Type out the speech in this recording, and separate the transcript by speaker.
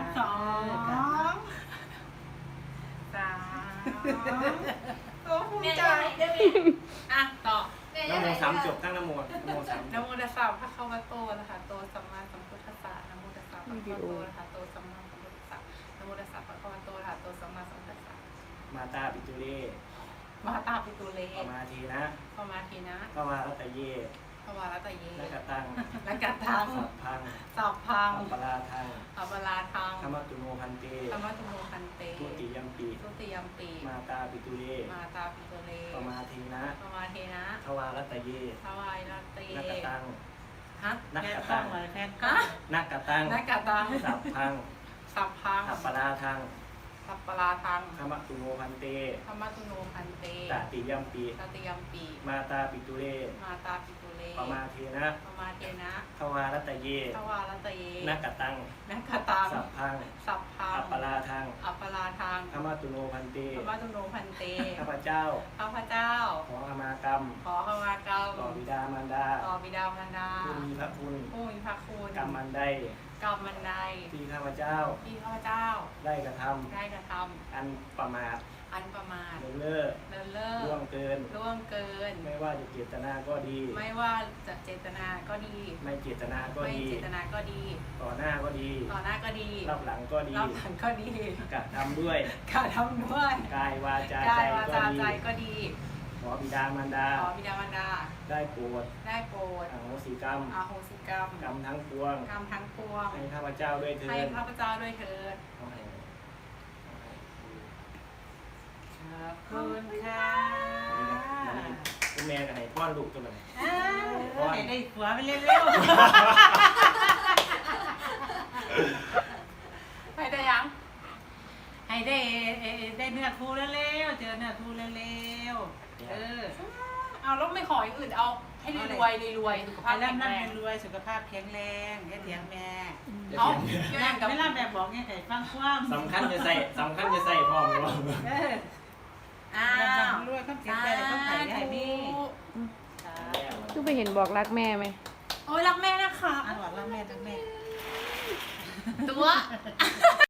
Speaker 1: สองสามตัวภูมิใจอ่ะต่อ
Speaker 2: น้ำโมสามจบตั้งน้ำโมสาม
Speaker 1: นะโมตัสสะพระคะวะโตนะคะโตสัมมาสัมพุทธัสสะนะโมตัสสะพระคะวะโตนะคะโตสัมมาสัมพุทธัสสะนะโมตัสสะพระคะวะโตนะคะโตสัมมาสัมพุทธัสสะ
Speaker 2: มาตาปิตุเร
Speaker 1: มหาตาปิตุเร
Speaker 2: ปมาทีนะ
Speaker 1: พมาทีนะ
Speaker 2: พวารัตเย
Speaker 1: พวารัตเย
Speaker 2: นักตัง
Speaker 1: และกัตตัง
Speaker 2: สัพพัง
Speaker 1: สัพพัง
Speaker 2: อัปปลาทัง
Speaker 1: อัปปลาทัง
Speaker 2: ธรรมตุโนพันเต
Speaker 1: ธรรมตุโมคันเต
Speaker 2: ทุติยัมปี
Speaker 1: ทุติยัมปี
Speaker 2: มาตาปิตุเร
Speaker 1: มาตาปิตุเร
Speaker 2: ปมาทีนะ
Speaker 1: พมาทีนะ
Speaker 2: พวารัตเย
Speaker 1: ทวายรัตเต
Speaker 2: นักตัง
Speaker 1: ฮะ
Speaker 2: นัก
Speaker 3: แค่
Speaker 2: ตั
Speaker 3: ข้อง งเลยแค่
Speaker 1: ฮะ
Speaker 2: นักตัง
Speaker 1: นักกัตตัง
Speaker 2: สัพพัง
Speaker 1: สัพพัง
Speaker 2: อัปปลาทัง
Speaker 1: สัพปลาทัง
Speaker 2: ธรรมตุโนพันเต
Speaker 1: ธรรมตุโนคันเต
Speaker 2: ตติยัมปี
Speaker 1: ตติยัมปี
Speaker 2: มาตาปิตุเร
Speaker 1: มาตาปิตุเร
Speaker 2: ปมาทีนะ
Speaker 1: พมาเทนะ
Speaker 2: พวารัตเย
Speaker 1: ทวารัตเย
Speaker 2: นักตัง
Speaker 1: นักกัตตัง
Speaker 2: สัพพัง
Speaker 1: สัพพัง
Speaker 2: อัปปลาทัง
Speaker 1: อัปปลาทัง
Speaker 2: ธรรมตุโนพันเต
Speaker 1: ธรรมตุโนพันเต
Speaker 2: ข้าพเจ้า
Speaker 1: ข้าพเจ้า
Speaker 2: ขอขมากรรม
Speaker 1: ขอขมากรรม
Speaker 2: ต่อบิดามารดา
Speaker 1: ต่อบิดามารดา
Speaker 2: ผู้มีพระคุณ
Speaker 1: ผู้มีพระคุณ
Speaker 2: กรรมอันใด
Speaker 1: กรรมมันใด
Speaker 2: ที่ข้าพเจ้า
Speaker 1: ที่ข้าพเจ้า
Speaker 2: ได้กระท
Speaker 1: ได้กระท
Speaker 2: ำอันประมาท
Speaker 1: ำอันประมาท
Speaker 2: เลินเล่อ
Speaker 1: เลินเล่อ
Speaker 2: ล่วงเกิน
Speaker 1: ล่วงเกิน
Speaker 2: ไม่ว่าจะเจตนาก็ดี
Speaker 1: ไม่ว่าจะเจตนาก็ดี
Speaker 2: ไม่เจตนาก็
Speaker 1: ไม่
Speaker 2: ดี
Speaker 1: เจตนาก็ดี
Speaker 2: ต่อหน้าก็ดี
Speaker 1: ต่อหน้าก็ดี
Speaker 2: รับหลังก็ดี
Speaker 1: รับหลังก็ดี
Speaker 2: กระทำด้วย
Speaker 1: การทำด้วย
Speaker 2: กายวาจาก
Speaker 1: า
Speaker 2: ใจ
Speaker 1: ยวา
Speaker 2: ก็
Speaker 1: จา
Speaker 2: ดี
Speaker 1: ใจก็ดี
Speaker 2: ขอบิดามารดา
Speaker 1: ขอบิดามารดา
Speaker 2: ได้โปรด
Speaker 1: ได้โปรด
Speaker 2: อโหสิกรรม
Speaker 1: อาโหสิกรรม
Speaker 2: กรรมทั้งปวง
Speaker 1: กรรมทั้งปวง
Speaker 2: ให้ข้าพเจ้าด้วยเถิ
Speaker 1: ให้
Speaker 2: ด
Speaker 1: ข้าพเจ้าด้วยเถิด
Speaker 2: ขอให้
Speaker 3: ขอบคุณค่ะ
Speaker 2: คุณแม่กับให้ป้อนลูกตัวไหน
Speaker 3: ให้ได้ผัวไปเร็ว
Speaker 1: ให้ได้ยัง
Speaker 3: ๆให้ได้เนื้อทูเร็วๆเจอเนื้อทูเร็วๆ
Speaker 1: เอาแล้วไม่ขออย่างอื่นเอาให้รวยรวยสุขภา
Speaker 3: ให้
Speaker 1: พแข็ง
Speaker 3: ร่ำ
Speaker 1: แรง
Speaker 3: รวยสุขภาพแข็งแรงแค่เถียงแม่
Speaker 1: เอาเรื่องกับ
Speaker 3: ไม่ร่ำแบบบอกไงไก่ฟังความ
Speaker 2: สำคัญจะใส่พ่อมหรือเปล่า
Speaker 1: อ้าว
Speaker 3: รวยข้ามเสียใจเลยข้ามไข่ได้มี
Speaker 4: ก็ไปเห็นบอกรักแม่ไหม
Speaker 1: โอ้ยรักแม่นะคะ
Speaker 3: อันหวัดรักแม่ทั้งแม่
Speaker 1: ตัว